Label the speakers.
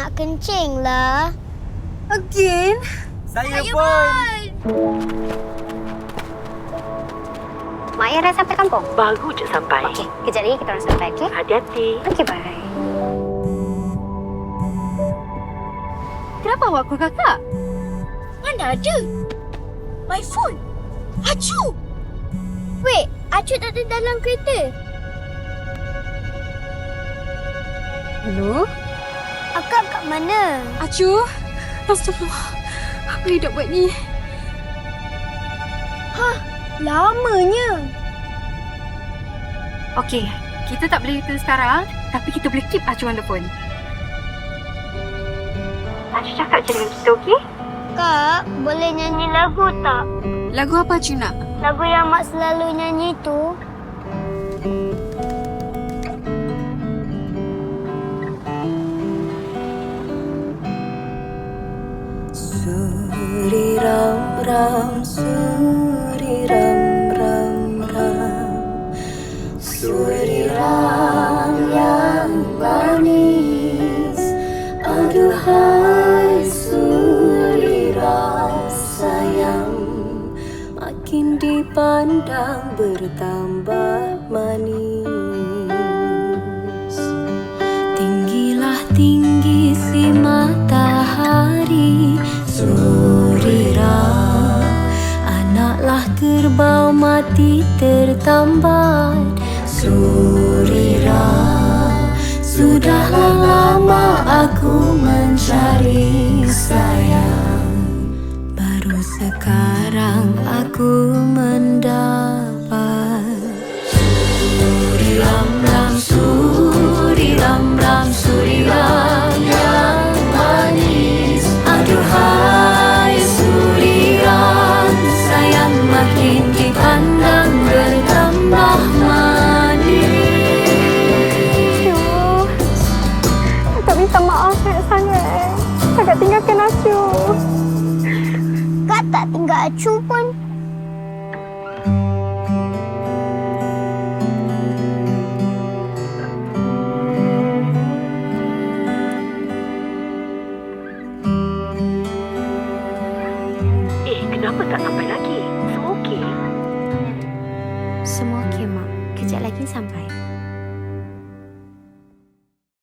Speaker 1: nak kencing lah.
Speaker 2: Again?
Speaker 3: Saya pun.
Speaker 4: Mak Ayah dah sampai kampung?
Speaker 5: Baru je sampai.
Speaker 4: Okey, kejap lagi kita orang sampai, okey?
Speaker 5: Hati-hati.
Speaker 4: Okey, bye.
Speaker 2: Kenapa awak call kakak?
Speaker 1: Mana ada? My phone. Acu! Wait, Acu tak ada dalam kereta.
Speaker 2: Hello?
Speaker 1: Akak kat mana?
Speaker 2: Acu? Astagfirullah. Apa yang dah buat ni?
Speaker 1: Lamanya.
Speaker 2: Okey, kita tak boleh return sekarang, tapi kita boleh keep Acu on the phone.
Speaker 5: Acu cakap je dengan kita, okey?
Speaker 1: Kak, boleh nyanyi lagu tak?
Speaker 2: Lagu apa Acu nak?
Speaker 1: Lagu yang Mak selalu nyanyi tu.
Speaker 6: Suri ram ram, suri ram ram ram, suri ram yang manis. Aduhai suri ram sayang, makin dipandang bertambah manis. Tinggilah tinggi si matahari, Surirang, anaklah kerbau mati tertambat. Surirang, sudahlah lama aku mencari sayang, baru sekarang aku mendapat. Suriram ram, suriram ram, suriram yang manis. Aduhai suriram sayang, makin dipandang bertambah manis.
Speaker 4: Kakak minta maaf sangat-sangat. Kakak tinggalkan Acu.
Speaker 1: Kak tak tinggal Acu pun.
Speaker 5: Kenapa tak sampai lagi? Semua okey?
Speaker 4: Semua okey, Mak. Kejap lagi sampai.